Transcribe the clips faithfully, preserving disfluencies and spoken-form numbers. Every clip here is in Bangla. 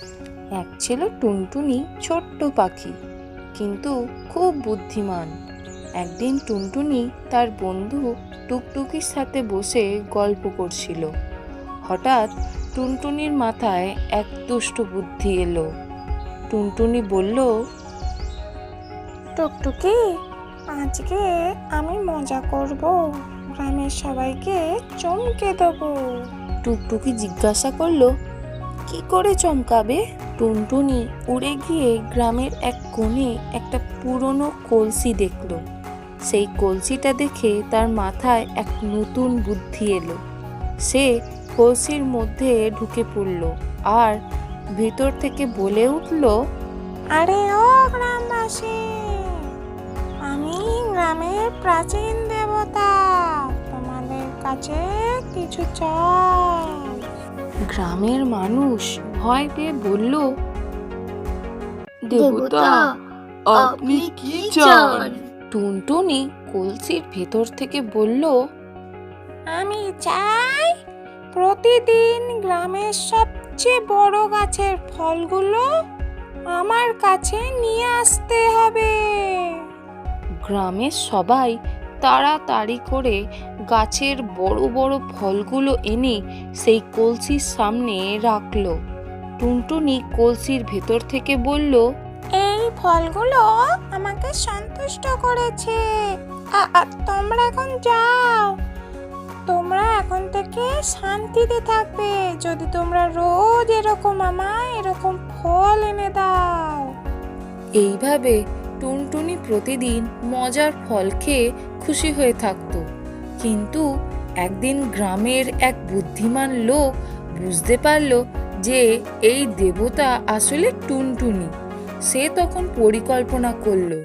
এক ছিল টুনটুনি ছোট্ট পাখি, কিন্তু খুব বুদ্ধিমান। একদিন টুনটুনি তার বন্ধু টুকটুকির সাথে বসে গল্প করছিল। হঠাৎ টুনটুনির মাথায় এক দুষ্ট বুদ্ধি এলো। টুনটুনি বলল, টুকটুকি, আজকে আমি মজা করব, গ্রামের সবাইকে চমকে দেবো। টুকটুকি জিজ্ঞাসা করলো, কি করে চমকাবে? টুনটুনি উড়ে গিয়ে গ্রামের এক কোণে একটা পুরনো কলসি দেখলো। সেই কলসিটা দেখে তার মাথায় এক নতুন বুদ্ধি এলো। সে কলসির মধ্যে ঢুকে পড়ল আর ভিতর থেকে বলে উঠল, আরে ও গ্রামবাসী, আমি গ্রামের প্রাচীন দেবতা, তোমাদের কাছে কিছু চাই। গ্রামের মানুষ ভয় পেয়ে বলল, দেবতা, আপনি কি চান? টুনটুনি কলসির ভেতর থেকে বলল, আমি চাই প্রতিদিন গ্রামের সবচেয়ে বড় গাছের ফলগুলো আমার কাছে নিয়ে আসতে হবে। গ্রামের সবাই তাড়াতাড়ি করে গাছের বড় বড় ফলগুলো এনে সেই কলসির সামনে রাখলো। টুনটুনি কলসির ভেতর থেকে বলল, এই ফলগুলো আমাকে সন্তুষ্ট করেছে। আ- আ, তোমরা এখন যাও। তোমরা এখন থেকে শান্তিতে থাকবে যদি তোমরা রোজ এরকম আমায় এরকম ফল এনে দাও। এইভাবে টুনটুনি প্রতিদিন মজার ফল খেয়ে খুশি হয়ে থাকতো। কিন্তু একদিন গ্রামের এক বুদ্ধিমান লোক বুঝতে পারল যে এই দেবতা আসলে টুনটুনি। সে তখন পরিকল্পনা করলো,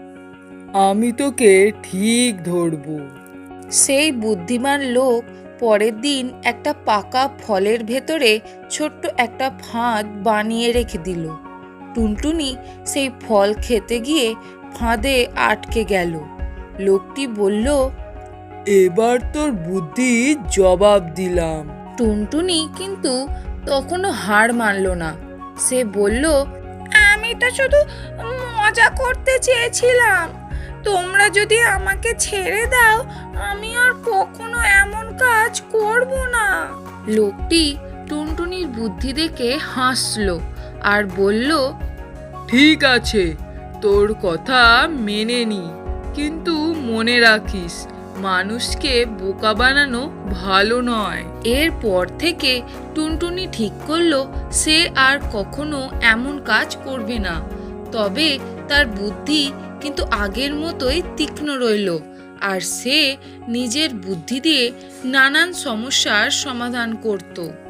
আমি তোকে ঠিক ধরবো। সেই বুদ্ধিমান লোক পরের দিন একটা পাকা ফলের ভেতরে ছোট্ট একটা ফাঁদ বানিয়ে রেখে দিল। টুনটুনি সেই ফল খেতে গিয়ে ফাঁদে আটকে গেল। লোকটি বলল, এবার তোর বুদ্ধি জবাব দিলাম। টুনটুনি কিন্তু তখনও হার মানল না। সে বলল, আমি তো শুধু মজা করতে চেয়েছিলাম। তোমরা যদি আমাকে ছেড়ে দাও, আমি আর কখনো এমন কাজ করব না। লোকটি টুনটুনির বুদ্ধি দেখে হাসল আর বলল, ঠিক আছে, তোর কথা মেনে নি, কিন্তু মনে রাখিস, মানুষকে বোকা বানানো ভালো নয়। এরপর থেকে টুনটুনি ঠিক করলো সে আর কখনো এমন কাজ করবে না। তবে তার বুদ্ধি কিন্তু আগের মতোই তীক্ষ্ণ রইল, আর সে নিজের বুদ্ধি দিয়ে নানান সমস্যার সমাধান করত।